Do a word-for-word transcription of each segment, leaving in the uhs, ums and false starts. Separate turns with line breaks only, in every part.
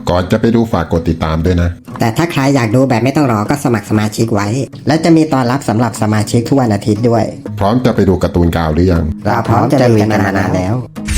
ก่อนจะไปดูฝากกดติดตามด้วยนะ
แต่ถ้าใครอยากดูแบบไม่ต้องรอก็สมัครสมาชิกไว้และจะมีตอนรับสำหรับสมาชิกทุกวันอาทิตย์ด้วย
พร้อมจะไปดูการ์ตูนกาวหรือยัง
เราพร้อมจะลุยกันมานานแล้ว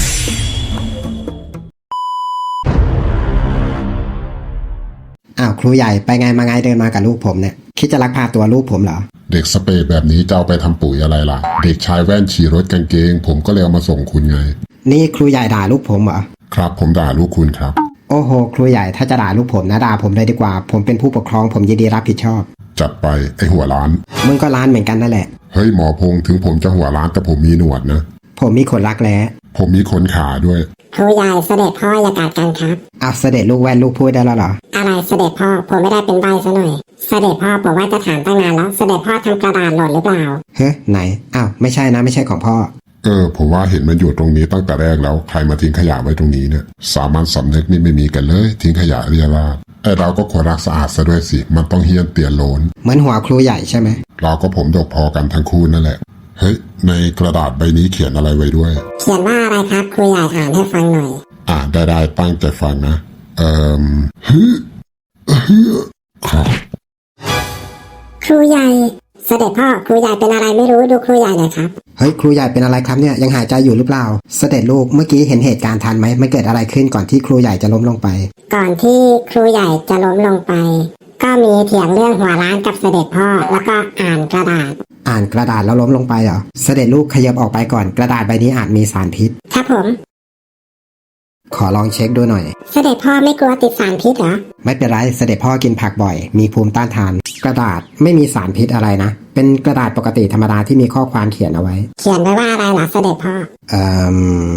อ้าวครูใหญ่ไปไงมาไงเดินมากับลูกผมเนี่ยคิดจะลักพาตัวลูกผมเหรอ
เด็กสเปดแบบนี้จะเอาไปทำปุ๋ยอะไรล่ะเด็กชายแว่นฉี่รถกางเกงผมก็เลยเอามาส่งคุณไง
นี่ครูใหญ่ด่าลูกผมเหรอ
ครับผมด่าลูกคุณครับ
โอ้โหครูใหญ่ถ้าจะด่าลูกผมนะด่าผมเลยดีกว่าผมเป็นผู้ปกครองผมยินดีรับผิดชอบ
จัดไปไอหัวล้าน
มึงก็ล้านเหมือนกันนั่นแหละ
เฮ้ยหมอพงษ์ถึงผมจะหัวล้านแต่ผมมีหนวดนะ
ผมมีขนรักแร้
ผมมีขนขาด้วย
ครูใหญ่เสด็จพ่ออย่ากัดกันครับ
อ้าวเสด็จลูกแว่นลูกพูดได้แล้วเหรอ
อะไรเสด็จพ่อผมไม่ได้เป็นใบซะหน่อยเสด็จพ่อผมว่าจะถามตั้งนานแล้วเสด็จพ่อทำกระดาษหล่นหรือเปล่า
เฮ้ยไหนอ้าวไม่ใช่นะไม่ใช่ของพ่อ
เออผมว่าเห็นมันอยู่ตรงนี้ตั้งแต่แรกแล้วใครมาทิ้งขยะไว้ตรงนี้เนี่ยสามัญสำนึกนี่ไม่มีกันเลยทิ้งขยะเรียราดไอเราก็ควรรักสะอาดซะด้วยสิมันต้องเฮี้ยนเตียนโลน
เหมือนหัวครูใหญ่ใช่ไหม
เราก็ผมดกพอกันทั้งคู่นั่นแหละเฮ้ยในกระดาษใบนี้เขียนอะไรไว้ด้วย
เขียนว่าอะไรครับครูใหญ่อ่านให้ฟังหน่อย
อ่านได้ได้ตั้งใจฟังนะเอ่อฮึฮึครับ
ครูใหญ่เสด็จพ่อครูใหญ่เป็นอะไรไม่รู้ดูครูใหญ่หน่อยครับ
เฮ้ยครูใหญ่เป็นอะไรครับเนี่ยยังหายใจอยู่หรือเปล่าเสด็จลูกเมื่อกี้เห็นเหตุการณ์ทันไหมมันเกิดอะไรขึ้นก่อนที่ครูใหญ่จะล้มลงไป
ก่อนที่ครูใหญ่จะล้มลงไปก็มีเถียงเรื่องหัวล้านกับเสด็จพ่อแล้วก็อ่านกระดาษ
อ่านกระดาษแล้วล้มลงไปเหรอเสด็จลูกขยับออกไปก่อนกระดาษใบนี้อาจมีสารพิษ
ครับผม
ขอลองเช็คดูหน่อย
เสด็จพ่อไม่กลัวติดสารพิษเหรอ
ไม่เป็นไรเสด็จพ่อกินผักบ่อยมีภูมิต้านทานกระดาษไม่มีสารพิษอะไรนะเป็นกระดาษปกติธรรมดาที่มีข้อความเขียนเอาไว้
เขียนไว้ว่าอะไรล่ะเสด็จพ่อ
เอ่อ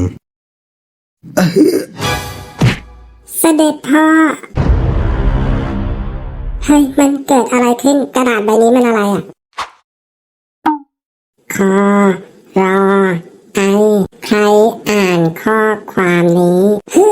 เสด็จพ่อเฮ้ยมันเกิดอะไรขึ้นกระดาษใบนี้มันอะไรอ่ะคอรอไอใครอ่านข้อความนี้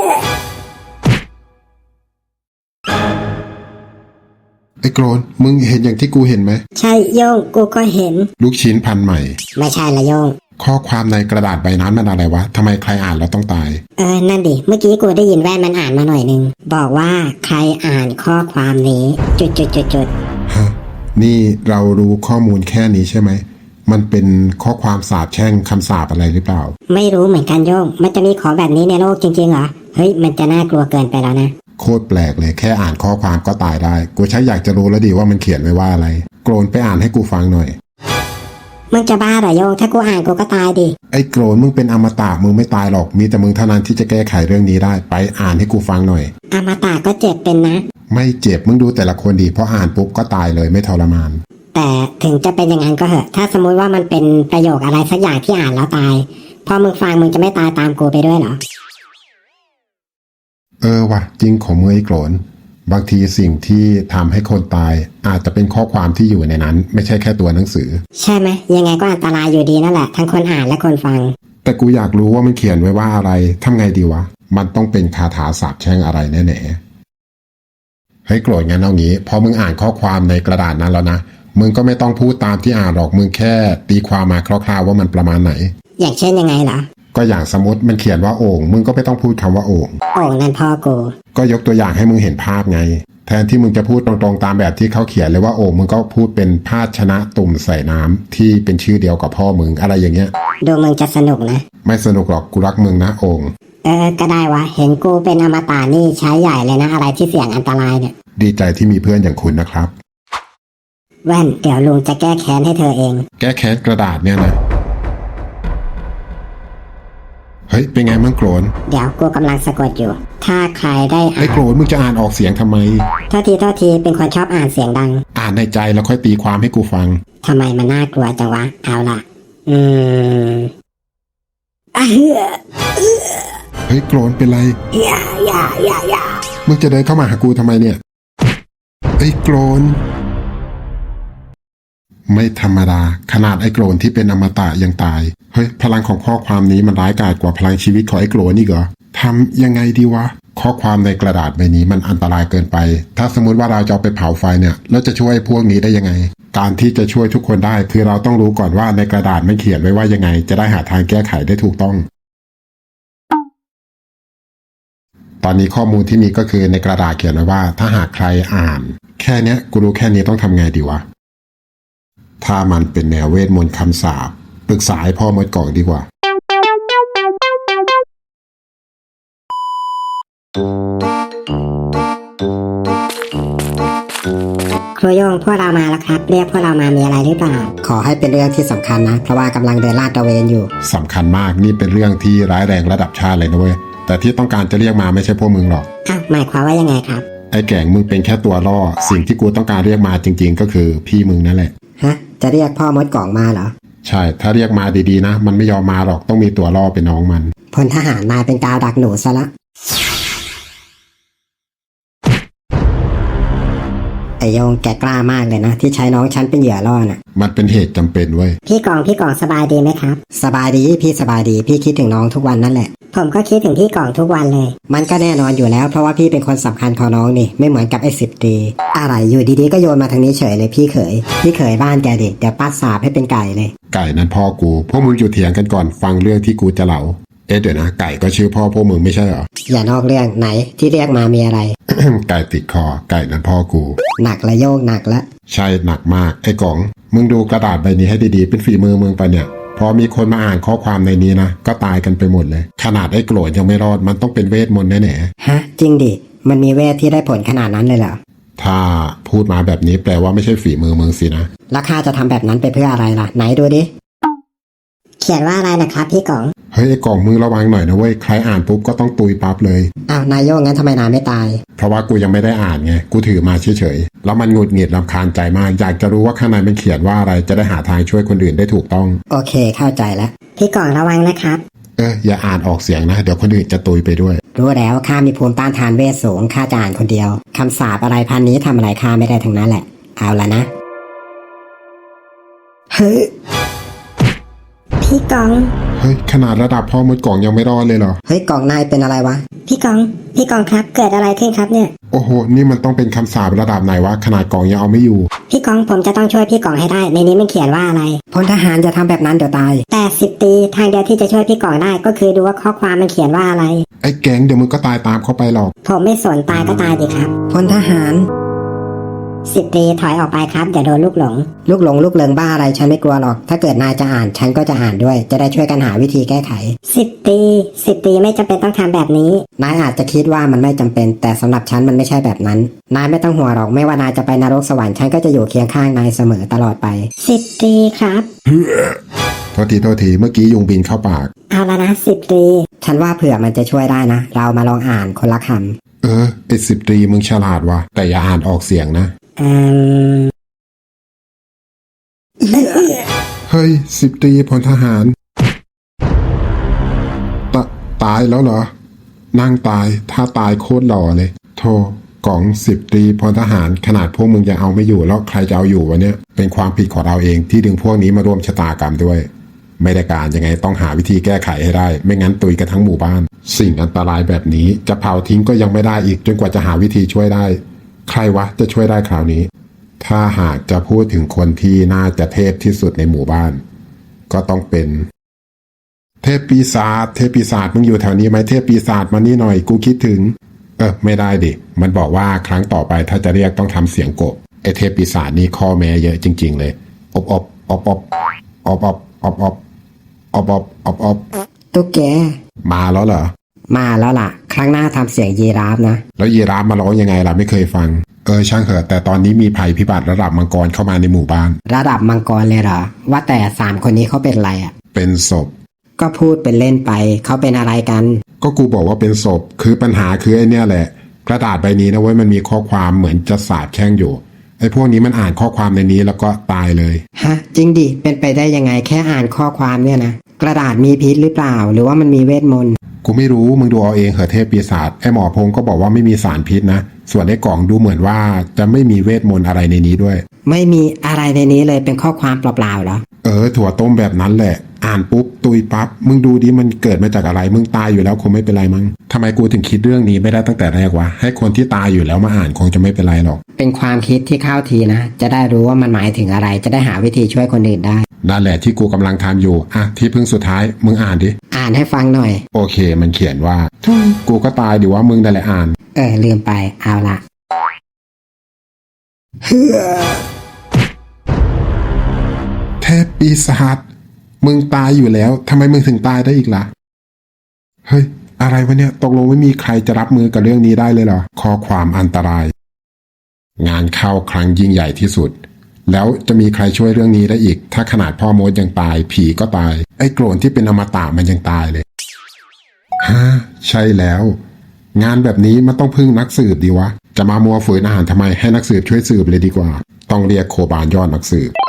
ไอ้โกรนมึงเห็นอย่างที่กูเห็นไหม
ใช่โยงกูก็เห็น
ลูกชิ้นพันใหม่
ไม่ใช่ละโยง
ข้อความในกระดาษใบนั้นมันอะไรวะทำไมใครอ่านแล้วต้องตาย
เออนั่นดิเมื่อกี้กูได้ยินแว่นมันอ่านมาหน่อยนึงบอกว่าใครอ่านข้อความนี้จุดจุดจุดจุด
ฮะนี่เรารู้ข้อมูลแค่นี้ใช่ไหมมันเป็นข้อความสาปแช่งคำสาปอะไรหรือเปล่า
ไม่รู้เหมือนกันโยงมันจะมีของแบบนี้ในโลกจริงๆเหรอเฮ้ยมันจะน่ากลัวเกินไปแล้วนะ
โคตรแปลกเลยแค่อ่านข้อความก็ตายได้กูใช้อยากจะรู้แล้วดีว่ามันเขียนไว้ว่าอะไรโกรนไปอ่านให้กูฟังหน่อย
มึงจะบ้าเหรอโยงถ้ากูอ่านกูก็ตายดิ
ไอ้โกรนมึงเป็นอมตะมึงไม่ตายหรอกมีแต่มึงเท่านั้นที่จะแก้ไขเรื่องนี้ได้ไปอ่านให้กูฟังหน่อย
อมตะก็เจ็บเป็นนะ
ไม่เจ็บมึงดูแต่ละคนดีเพราะอ่านปุ๊บก็ตายเลยไม่ทรมาน
แต่ถึงจะเป็นอย่างนั้นก็เหอะถ้าสมมุติว่ามันเป็นประโยคอะไรสักอย่างที่อ่านแล้วตายพอมึงฟังมึงจะไม่ตายตามกูไปด้วยเหรอ
เออว่ะจริงของมึงไอ้โกรนบางทีสิ่งที่ทำให้คนตายอาจจะเป็นข้อความที่อยู่ในนั้นไม่ใช่แค่ตัวหนังสือ
ใช่ไหมยังไงก็อันตรายอยู่ดีนั่นแหละทั้งคนอ่านและคนฟัง
แต่กูอยากรู้ว่ามันเขียนไว้ว่าอะไรทำไงดีวะมันต้องเป็นคาถาสาปแช่งอะไรแน่ๆให้โกรธงั้นเอางี้พอมึงอ่านข้อความในกระดาษนั้นแล้วนะมึงก็ไม่ต้องพูดตามที่อ่านหรอกมึงแค่ตีความมาคร่าวๆว่ามันประมาณไหน
อย่างเช่นยังไงเหรอ
ก็อย่างสมมติมันเขียนว่าโอ่งมึงก็ไม่ต้องพูดคำว่าโอ่ง
โอ่งนั่นพ่อกู
ก็ยกตัวอย่างให้มึงเห็นภาพไงแทนที่มึงจะพูดตรงๆตามแบบที่เขาเขียนเลยว่าโอ่งมึงก็พูดเป็นภาชนะตุ่มใส่น้ำที่เป็นชื่อเดียวกับพ่อมึงอะไรอย่างเงี้ย
ดูมึงจะสนุกนะ
ไม่สนุกหรอกกูรักมึงนะโอ่ง
เออก็ได้วะเห็นกูเป็นอมตะนี่ใช้ใหญ่เลยนะอะไรที่เสี่ยงอันตรายเนี่ย
ดีใจที่มีเพื่อนอย่างคุณนะครับ
แว่นเดี๋ยวลุงจะแก้แค้นให้เธอเอง
แก้แค้นกระดาษเนี่ยนะเฮ้ยเป็นไงมั่งโกรน
เดี๋ยวกูกำลังสะกดอยู่ถ้าใครได้อ่าน
ไอ้โกรนมึงจะอ่านออกเสียงทำไม
โทษทีโทษทีเป็นคนชอบอ่านเสียงดัง
อ่านในใจแล้วค่อยตีความให้กูฟัง
ทำไมมันน่ากลัวจังวะเอาล่ะอืม
เฮ้ยโกรนเป็นไร
อย่าอย่าอย่าอย่า
มึงจะเดินเข้ามาหากูทำไมเนี่ยไอ้โกรนไม่ธรรมดาขนาดไอ้โกรนที่เป็นอมตะยังตายเฮ้ยพลังของข้อความนี้มันร้ายกาจกว่าพลังชีวิตของไอ้โกรนนี่เหรอทำยังไงดีวะข้อความในกระดาษใบนี้มันอันตรายเกินไปถ้าสมมติว่าเราจะเอาไปเผาไฟเนี่ยเราจะช่วยพวกนี้ได้ยังไงการที่จะช่วยทุกคนได้คือเราต้องรู้ก่อนว่าในกระดาษมันเขียนไว้ว่ายังไงจะได้หาทางแก้ไขได้ถูกต้องตอนนี้ข้อมูลที่มีก็คือในกระดาษเขียนไว้ว่าถ้าหากใครอ่าน แค่เนี้ยกูรู้แค่นี้ต้องทำไงดีวะถ้ามันเป็นแนวเวทมนต์คำสาปปรึกษาให้พ่อมดกล่องดีกว่า
ครูโยงพวกเรามาแล้วครับเรียกพวกเรามามีอะไรหรือเปล่า
ขอให้เป็นเรื่องที่สำคัญนะเพราะว่ากำลังเดินลาดตระเวนอยู่
สำคัญมากนี่เป็นเรื่องที่ร้ายแรงระดับชาติเลยนะเว้ยแต่ที่ต้องการจะเรียกมาไม่ใช่พวกมึงหรอก
อ้าวหมายความว่ายังไงครับ
ไอ้แก่งมึงเป็นแค่ตัวล่อสิ่งที่กูต้องการเรียกมาจริงๆก็คือพี่มึงนั่นแหละ
ฮะจะเรียกพ่อมดกล่องมาเหรอ
ใช่ถ้าเรียกมาดีๆนะมันไม่ยอมมาหรอกต้องมีตัวล่อเป็นน้องมัน
พลทหารนายเป็นกาวดักหนูซะละไอโยงแกกล้ามากเลยนะที่ใช้น้องฉันเป็นเหยื่อล่อน่ะ
มันเป็นเหตุจำเป็นเว้ย
พี่กองพี่กองสบายดีไหมครับ
สบายดีพี่สบายดีพี่คิดถึงน้องทุกวันนั่นแหละ
ผมก็คิดถึงพี่กองทุกวันเลย
มันก็แน่นอนอยู่แล้วเพราะว่าพี่เป็นคนสำคัญของน้องนี่ไม่เหมือนกับไอ้สิบตีอะไรอยู่ดีๆก็โยนมาทางนี้เฉยเลยพี่เขยพี่เขยบ้านแกดิเดี๋ยวปัดสาบให้เป็นไก่เลย
ไก่นั้นพ่อกูพวกมึงอยู่เถียงกันก่อนฟังเรื่องที่กูจะเล่าเอ๊ะเดี๋ยวนะไก่ก็ชื่อพ่อพวกมึงไม่ใช่เหรอ
อย่านอกเรื่องไหนที่เรียกมามีอะไร
ไก่ติดคอไก่นั้นพ่อกู
หนักละโยกหนักละ
ใช่หนักมากไอ้กล่องมึงดูกระดาษใบนี้ให้ดีๆเป็นฝีมือมึงไปเนี่ยพอมีคนมาอ่านข้อความในนี้นะก็ตายกันไปหมดเลยขนาดไอ้โกรธยังไม่รอดมันต้องเป็นเวทมนต์แน่
ๆฮะจริงดิมันมีเวทที่ได้ผลขนาดนั้นเลยเหรอ
ถ้าพูดมาแบบนี้แปลว่าไม่ใช่ฝีมือมึงสินะ
แล้วข้าจะทำแบบนั้นไปเพื่ออะไรล่ะไหนดูดิ
เขียนว่าอะไรนะครับพี่กอง
เฮ้ยไอ้กล่องมึงระวังหน่อยนะเว้ยใครอ่านปุ๊บก็ต้องตุยปั๊บเลย
อ้าวนายโยงงั้นทำไมนายไม่ตาย
เพราะว่ากูยังไม่ได้อ่านไงกูถือมาเฉยๆแล้วมันหงุดหงิดรำคาญใจมากอยากจะรู้ว่าข้างในมันเขียนว่าอะไรจะได้หาทางช่วยคนอื่นได้ถูกต้อง
โอเคเข้าใจแล้ว
พี่กองระวังนะครับ
เอออย่าอ่านออกเสียงนะเดี๋ยวคนอื่นจะตุยไปด้วย
รู้แล้วข้ามีภูมิต้านทานเวทสูงข้าจะอ่านคนเดียวคำสาปอะไรพันนี้ทำอะไรข้าไม่ได้ทั้งนั้นแหละเอาละนะ
เฮ้ยพี่กอง
เฮ้ยขนาดระดับพ่อมดกล่องยังไม่รอดเลยเหรอ
เฮ้ยกล่องนายเป็นอะไรวะ
พี่กองพี่กองครับเกิดอะไรขึ้นครับเนี่ย
โอ้โหนี่มันต้องเป็นคำสาประดับไหนวะขนาดกล่องยังเอาไม่อยู่
พี่กองผมจะต้องช่วยพี่กองให้ได้ในนี้มันเขียนว่าอะไร
พลทหารจะทำแบบนั้นเดี๋ยวตาย
แต่สิบตีทางเดียวที่จะช่วยพี่กองได้ก็คือดูว่าข้อความมันเขียนว่าอะไร
ไอ้แก๊งเดี๋ยวมึงก็ตายตามเข้าไปหรอก
ผมไม่สนตายก็ตายดิครับ
พลทหาร
สิบตีถอยออกไปครับอย่าโดนลูกหลง
ลูกหลงลูกเลิงบ้าอะไรฉันไม่กลัวหรอกถ้าเกิดนายจะอ่านฉันก็จะอ่านด้วยจะได้ช่วยกันหาวิธีแก้ไข
สิบตีสิบตีไม่จำเป็นต้องทำแบบนี้
นายอาจจะคิดว่ามันไม่จำเป็นแต่สำหรับฉันมันไม่ใช่แบบนั้นนายไม่ต้องห่วงหรอกไม่ว่านายจะไปนรกสวรรค์ฉันก็จะอยู่เคียงข้างนายเสมอตลอดไป
สิบตีครับ
โทษทีโทษทีเมื่อกี้ยุงบินเข้าปาก
เอาละนะสิบตี
ฉันว่าเผื่อมันจะช่วยได้นะเรามาลองอ่านคนละค
ำเออไอ้สิบตีมึงฉลาดว่ะแต่อย่าอ่านออกเสียงนะเฮ้ยสิบตีพลทหารตตายแล้วเหรอนั่งตายถ้าตายโคตรหล่อเลยโธ่กล่องสิบตีพลทหารขนาดพวกมึงยังเอาไม่อยู่แล้วใครจะเอาอยู่วะเนี่ยเป็นความผิดของเราเองที่ดึงพวกนี้มาร่วมชะตากรรมด้วยไม่ได้การยังไงต้องหาวิธีแก้ไขให้ได้ไม่งั้นตุยกันทั้งหมู่บ้านสิ่งอันตรายแบบนี้จะเผาทิ้งก็ยังไม่ได้อีกจนกว่าจะหาวิธีช่วยได้ใครวะจะช่วยได้คราวนี้ถ้าหากจะพูดถึงคนที่น่าจะเทพที่สุดในหมู่บ้านก็ต้องเป็นเทพปีศาจเทพปีศาจมึงอยู่แถวนี้ไหมเทพปีศาจมานี่หน่อยกูคิดถึงเออไม่ได้ดิมันบอกว่าครั้งต่อไปถ้าจะเรียกต้องทำเสียงกบไอเทพปีศาจนี่ข้อแม้เยอะจริงๆเลยอบอบอบอบอบอบอบอบอบอบอบอบ
ตุ๊กแก
มาแล้วเหรอ
มาแล้วล่ะครั้งหน้าทำเสียงยีราฟนะ
แล้วยีราฟมาร้องยังไงล่ะไม่เคยฟังเออช่างเถอะแต่ตอนนี้มีภัยพิบัติระดับมังกรเข้ามาในหมู่บ้าน
ระดับมังกรเลยเหรอว่าแต่สามคนนี้เขาเป็นอะไรอ่ะ
เป็นศพ
ก็พูดเป็นเล่นไปเขาเป็นอะไรกัน
ก็กูบอกว่าเป็นศพคือปัญหาคือไอ้เนี่ยแหละกระดาษใบนี้นะเว้ยมันมีข้อความเหมือนจะสาบแช่งอยู่ไอ้พวกนี้มันอ่านข้อความในนี้แล้วก็ตายเลย
ฮะจริงดิเป็นไปได้ยังไงแค่อ่านข้อความเนี่ยนะกระดาษมีพิษหรือเปล่าหรือว่ามันมีเวทมนต์
กูไม่รู้มึงดูเอาเองเหอะเทพปีศาจไอ้หมอพงก็บอกว่าไม่มีสารพิษนะส่วนไอ้กล่องดูเหมือนว่าจะไม่มีเวทมนต์อะไรในนี้ด้วย
ไม่มีอะไรในนี้เลยเป็นข้อความเปล่าๆเหรอ
เออถั่วต้มแบบนั้นแหละอ่านปุ๊บตุยปั๊บมึงดูดิมันเกิดมาจากอะไรมึงตายอยู่แล้วคงไม่เป็นไรมั้งทำไมกูถึงคิดเรื่องนี้ไม่ได้ตั้งแต่แรกวะให้คนที่ตายอยู่แล้วมาอ่านคงจะไม่เป็นไรหรอก
เป็นความคิดที่เข้าทีนะจะได้รู้ว่ามันหมายถึงอะไรจะได้หาวิธีช่วยคนอื่นได้
นั่นแหละที่กูกำลังทำอยู่อ่ะที่พึ่งสุดท้ายมึงอ่านดิ
อ่านานให้ฟังหน่อย
โอเคมันเขียนว่าทุยกูก็ตายดิว่ามึงนั่นแหละอ่าน
เออลืมไปเอาละ
เทพปีศาจมึงตายอยู่แล้วทำไมมึงถึงตายได้อีกล่ะเฮ้ยอะไรวะเนี่ยตกลงไม่มีใครจะรับมือกับเรื่องนี้ได้เลยเหรอข้อความอันตรายงานเข้าครั้งยิ่งใหญ่ที่สุดแล้วจะมีใครช่วยเรื่องนี้ได้อีกถ้าขนาดพ่อมดยังตายผีก็ตายไอ้โกรนที่เป็นอมตะมันยังตายเลยฮะใช่แล้วงานแบบนี้มันต้องพึ่งนักสืบดีวะจะมามัวฝืนอาหารทำไมให้นักสืบช่วยสืบเลยดีกว่าต้องเรียกโคบานยอดนักสืบ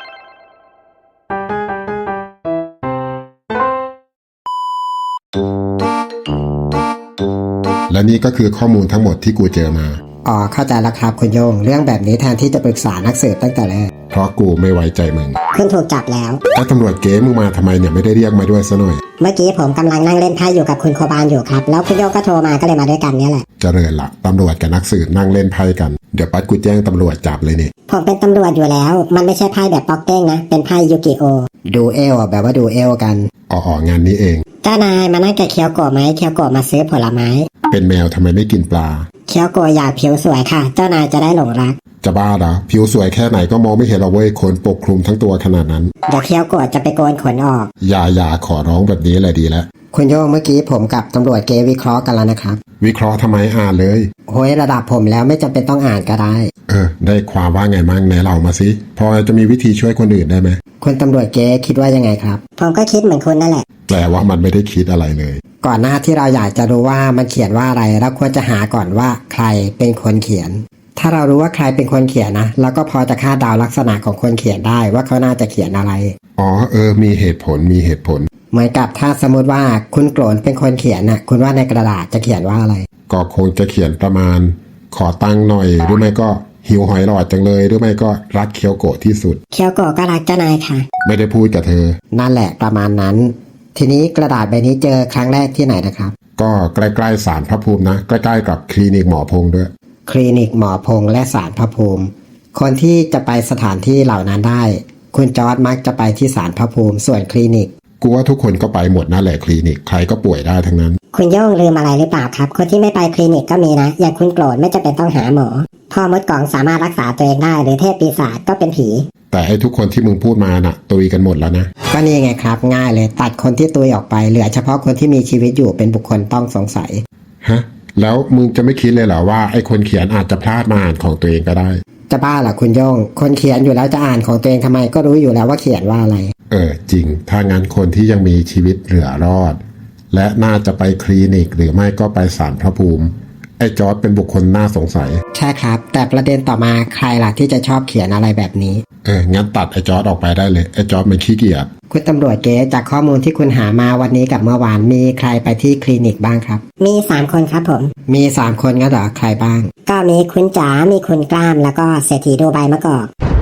และนี่ก็คือข้อมูลทั้งหมดที่กูเจอมา
อ๋อเข้าใจแล้วครับคุณโยงเรื่องแบบนี้แทนที่จะปรึกษานักสืบตั้งแต่แรก
เพราะกูไม่ไว้ใจมึง
คุณถูกจับแล้ว
ไอ้ตำรวจเก๋มึงมาทำไมเนี่ยไม่ได้เรียกมาด้วยซะหน่อย
เมื่อกี้ผมกำลังนั่งเล่นไพ่อยู่กับคุณโคบานอยู่ครับแล้วคุณโยงก็โทรมาก็เลยมาด้วยกันเนี่ยแหละ
เจริญละตำรวจกับนักสืบนั่งเล่นไพ่กันเดี๋ยวปัดกูแจ้งตำรวจจับเลยนี่
ผมเป็นตำรวจอยู่แล้ว มันไม่ใช่ไพ่แบบป๊อกเด้งนะเป็นไพ่ยูกิโอ
ดูเอลอ่ะแบบว่าดูเอลกัน
อ๋องานนี้เอง
เจ้านายมานั่งกับเคียวโกะไหมเคียวโกะมาซื้อผลไม้
เป็นแมวทำไมไม่กินปลา
เคียวโกะอยากผิวสวยค่ะ เจ้านายจะได้หลงรัก
จะบ้าเหรอผิวสวยแค่ไหนก็มองไม่เห็นหรอกเว้ยขนปกคลุมทั้งตัวขนาดนั้น
เดี๋ยวเคียวโกะจะไปโกนขนออก
อย่าอย่าขอร้องแบบนี้แหละดีแล้ว
คุณโยงเมื่อกี้ผมกับตำรวจเกวิเคราะห์กันแล้วนะครับ
วิเคราะห์ทำไมอ่านเลย
โอ้ยระดับผมแล้วไม่จำเป็นต้องอ่านก็ได้
เออได้ความว่าไงมั่งไหนเล่ามาสิพอจะมีวิธีช่วยคนอื่นได้ไหม
คุณตำรวจเกคิดว่ายังไงครับ
ผมก็คิดเหมือนคุณนั่นแหละ
แปลว่ามันไม่ได้คิดอะไรเลย
ก่อนหน้าที่เราอยากจะรู้ว่ามันเขียนว่าอะไรเราควรจะหาก่อนว่าใครเป็นคนเขียน ถ้าเรารู้ว่าใครเป็นคนเขียนนะเราก็พอจะคาดเดาลักษณะของคนเขียนได้ว่าเขาน่าจะเขียนอะไร
อ๋อเออมีเหตุผลมีเหตุผล
เหมือนกับถ้าสมมติว่าคุณโกรนเป็นคนเขียนน่ะคุณว่าในกระดาษจะเขียนว่าอะไร
ก็คงจะเขียนประมาณ ขอตังค์หน่อยหรือไม่ก็หิวหอยหลอดจังเลยหรือไม่ก็รักเคียวโกะที่สุด
เคียวโกะก็รักเจ้านายค่ะ
ไม่ได้พูดกับเธอ
นั่นแหละประมาณนั้น ทีนี้กระดาษใบนี้เจอครั้งแรกที่ไหนนะครับ
ก็ใกล้ๆศาลพระภูมินะใกล้ๆกับคลินิกหมอพงษ์ด้วย
คลินิกหมอพงษ์และศาลพระภูมิ คนที่จะไปสถานที่เหล่านั้นได้ คุณจอร์ดมักจะไปที่ศาลพระภูมิส่วนคลินิก
กูว่าทุกคนก็ไปหมดนั่นแหละคลินิกใครก็ป่วยได้ทั้งนั้น
คุณโย่งลืมอะไรหรือเปล่าครับ คนที่ไม่ไปคลินิกก็มีนะ อย่างคุณโกรธไม่จำเป็นต้องหาหมอ พ่อมดกล่องสามารถรักษาตัวเองได้หรือเทพปีศาจก็เป็นผี
แต่ไอ้ทุกคนที่มึงพูดมาน่ะตุยกันหมดแล้วนะ
ก็นี่ไงครับง่ายเลยตัดคนที่ตุยออกไปเหลือเฉพาะคนที่มีชีวิตอยู่เป็นบุคคลต้องสงสัย
ฮะแล้วมึงจะไม่คิดเลยเหรอว่าไอ้คนเขียนอาจจะพลาดมาอ่านของตัวเองก็ได้
จะบ้าเหรอคุณโย่งคนเขียนอยู่แล้วจะอ่านของตัวเองทำไมก็รู้อยู่แล้วว่าเขียนว่าอะไร
เออจริงถ้างั้นคนที่ยังมีชีวิตเหลือรอด และน่าจะไปคลินิกหรือไม่ก็ไปศาลพระภูมิไอ้จอร์จเป็นบุคคลน่าสงสัย
ใช่ครับ แต่ประเด็นต่อมาใครล่ะที่จะชอบเขียนอะไรแบบนี้
เอองั้นตัดไอ้จอร์จออกไปได้เลยไอ้จอร์จมันขี้เกียจ
คุณตำรวจเก๋จากข้อมูลที่คุณหามาวันนี้กับเมื่อวานมีใครไปที่คลินิกบ้างครับ
มีสามคนครับผม
มีสามคนงั้นเหรอใครบ้าง
ก็มีคุณจ๋า มีคุณกล้าม แล้วก็เศรษฐีดูใบมะกอก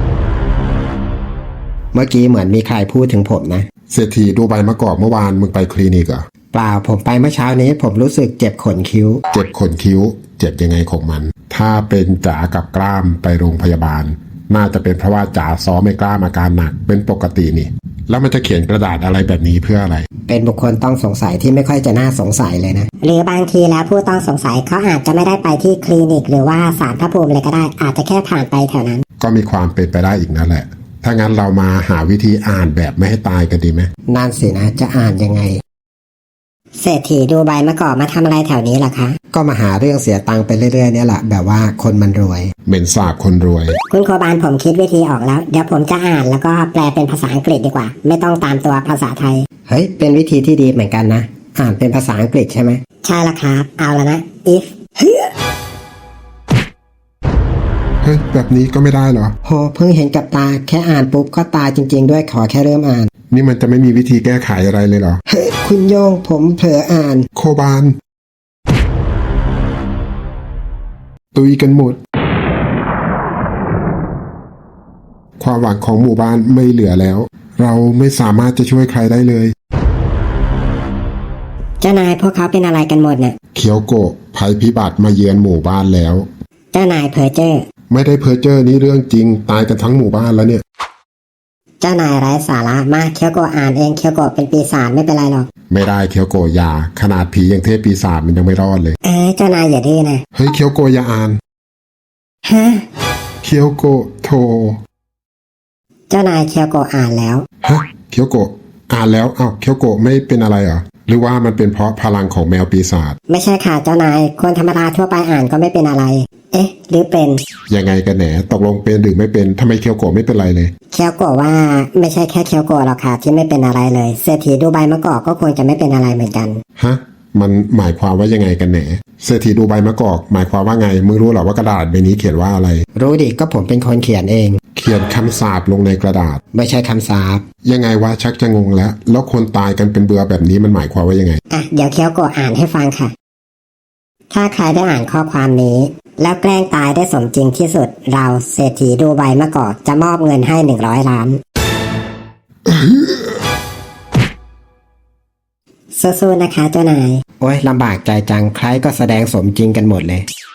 เมื่อกี้เหมือนมีใครพูดถึงผมนะ
เศรษฐีดูใบมะกอกเมื่อวานมึงไปคลินิกเหรอ
เปล่าผมไปเมื่อเช้านี้ผมรู้สึกเจ็บขนคิ้ว
เจ็บขนคิ้ว เจ็บยังไงของมัน ถ้าเป็นจ๋ากับกล้ามไปโรงพยาบาล น่าจะเป็นเพราะว่าจ๋าซ้อมไม่กล้ามอาการหนักเป็นปกตินี่ แล้วมันจะเขียนกระดาษอะไรแบบนี้เพื่ออะไร
เป็นบุคคลต้องสงสัยที่ไม่ค่อยจะน่าสงสัยเลยนะ
หรือบางทีแล้วผู้ต้องสงสัยเขาอาจจะไม่ได้ไปที่คลินิก หรือว่าศาลพระภูมิเลยก็ได้ อาจจะแค่ผ่านไปแถวนั้น
ก็มีความเป็นไปได้อีกนั่นแหละ ถ้างั้นเรามาหาวิธีอ่านแบบไม่ให้ตายกันดีไหม
นั่นสินะจะอ่านยังไง
เศรษฐีดูใบมะกอกมาทำอะไรแถวนี้ล่ะคะ
ก็มาหาเรื่องเสียตังค์ไปเรื่อยๆเนี่ยแหละแบบว่าคนมันรวย
เหม็นสาบคนรวย
คุณโคบานผมคิดวิธีออกแล้ว เดี๋ยวผมจะอ่านแล้วก็แปลเป็นภาษาอังกฤษดีกว่า ไม่ต้องตามตัวภาษาไทย
เฮ้ยเป็นวิธีที่ดีเหมือนกันนะอ่านเป็นภาษาอังกฤษใช่ไหม
ใช่ละครับ เอาแล้วนะ if
เฮ้ยแบบนี้ก็ไม่ได้เหรอ
โหเพิ่งเห็นกับตาแค่อ่านปุ๊บก็ตายจริง ๆ ด้วยขอแค่เริ่มอ่าน
นี่มันจะไม่มีวิธีแก้ไขอะไรเลยเหรอ
เฮ้ยคุณโยงผมเผลออ่าน
โคบาน ตุยกันหมด ความหวังของหมู่บ้านไม่เหลือแล้ว เราไม่สามารถจะช่วยใครได้เลย
เจ้านายพวกเขาเป็นอะไรกันหมดเนี่ย
เคียวโกะภัยพิบัติมาเยือนหมู่บ้านแล้ว
เจ้านายเพอเจอร์
ไม่ได้เพ้อเจ้อนี่เรื่องจริงตายกันทั้งหมู่บ้านแล้วเนี่ย
เจ้านายไร้สาระมากเคียวโกะอ่านเองเคียวโกะเป็นปีศาจไม่เป็นไรหรอก
ไม่ได้เคียวโกะอยาขนาดผีอย่างเทพปีศาจมันยังไม่รอดเลย
เออเจ้านายอย่าดื้อนะ
เฮ้ยเคียวโกะอย่าอ่าน
ฮะ
เคียวโกะโท
เจ้านายเคียวโกะอ่านแล้ว
ฮะเคียวโกะอ่านแล้วอ้าวเคียวโกะไม่เป็นอะไรเหรอหรือว่ามันเป็นเพราะพลังของแมวปีศาจ
ไม่ใช่ค่ะเจ้านายคนธรรมดาทั่วไปอ่านก็ไม่เป็นอะไร เอ๊ะ หรือเป็น
ยังไงกันแหนตกลงเป็นหรือไม่เป็นทำไมเคียวโกะไม่เป็นไรเลย
เคียวโกะว่าไม่ใช่แค่เคียวโกะหรอกค่ะที่ไม่เป็นอะไรเลยเศรษฐีดูไบมะกอกก็ควรจะไม่เป็นอะไรเหมือนกัน
ฮะมันหมายความว่ายังไงกันแหนเศรษฐีดูใบมะกอกหมายความว่าไงมึงรู้เหรอว่ากระดาษใบนี้เขียนว่าอะไร
รู้ดิก็ผมเป็นคนเขียนเอง
เขียนคำสาปลงในกระดาษ
ไม่ใช่คำสาป
ยังไงวะชักจะงงแล้ว แล้วคนตายกันเป็นเบื่อแบบนี้มันหมายความว่ายังไง
อ่ะเดี๋ยวเคียวโกะอ่านให้ฟังค่ะ ถ้าใครได้อ่านข้อความนี้ แล้วแกล้งตายได้สมจริงที่สุด เราเศรษฐีดูไบมะกอกจะมอบเงินให้หนึ่งร้อยล้านสู้ๆนะคะเจ้านาย
โอ้ยลำบากใจจังใครก็แสดงสมจริงกันหมดเลย